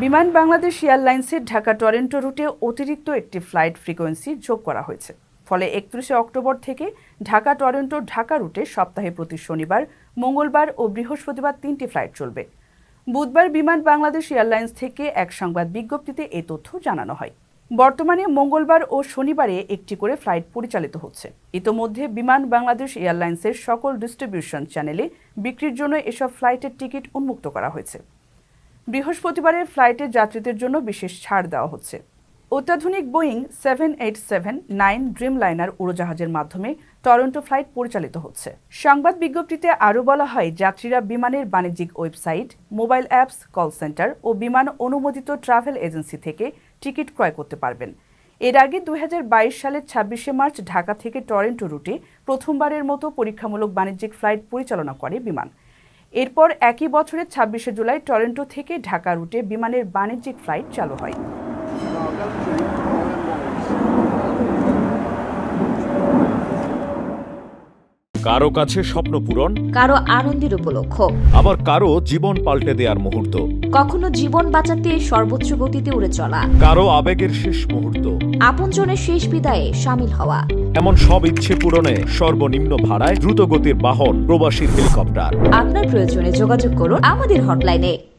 বিমান বাংলাদেশ এয়ারলাইন্সের ঢাকা টরন্টো রুটে অতিরিক্ত একটি ফ্লাইট ফ্রিকোয়েন্সি যোগ করা হয়েছে। ফলে 31 অক্টোবর থেকে ঢাকা টরন্টো ঢাকা রুটে সপ্তাহে প্রতি শনিবার, মঙ্গলবার ও বৃহস্পতিবার 3টি ফ্লাইট চলবে। বুধবার বিমান বাংলাদেশ এয়ারলাইন্স থেকে এক সংবাদ বিজ্ঞপ্তিতে এই তথ্য জানানো হয়। বর্তমানে মঙ্গলবার ও শনিবারে একটি করে ফ্লাইট পরিচালিত হচ্ছে। ইতোমধ্যে বিমান বাংলাদেশ এয়ারলাইন্সের সকল ডিস্ট্রিবিউশন চ্যানেলে বিক্রির জন্য এসব ফ্লাইটের টিকিট উন্মুক্ত করা হয়েছে। বৃহস্পতিবারের ফ্লাইটে যাত্রীদের জন্য বিশেষ ছাড় দেওয়া হচ্ছে। অত্যাধুনিক বোয়িং 787-9 ড্রিমলাইনার উড়োজাহাজের মাধ্যমে টরন্টো ফ্লাইট পরিচালিত হচ্ছে। সংবাদ বিজ্ঞপ্তিতে আরও বলা হয়, যাত্রীরা বিমানের বাণিজ্যিক website, mobile apps, call centre ও বিমান অনুমোদিত ট্রাভেল এজেন্সি থেকে টিকিট ক্রয় করতে পারবেন। এর আগে 2022 সালের 26 মার্চ ঢাকা থেকে টরন্টো রুটে প্রথমবারের মতো পরীক্ষামূলক বাণিজ্যিক ফ্লাইট পরিচালনা করে বিমান। এরপর একই বছরের 26 জুলাই টরন্টো থেকে ঢাকা রুটে বিমানের বাণিজ্যিক ফ্লাইট চালু হয়। কারো কাছে স্বপ্ন পূরণ, কারো আনন্দের উপলক্ষ, আবার কারো জীবন পাল্টে দেওয়ার মুহূর্ত, কখনো জীবন বাঁচাতে সর্বোচ্চ গতিতে উড়ে চলা, কারো আবেগের শেষ মুহূর্ত, আপনজনের শেষ বিদায়ে শামিল হওয়া। এমন সব ইচ্ছে পূরণে সর্বনিম্ন ভাড়ায় দ্রুতগতির বাহন প্রবাসীর হেলিকপ্টার। আপনার প্রয়োজনে যোগাযোগ করুন আমাদের হটলাইনে।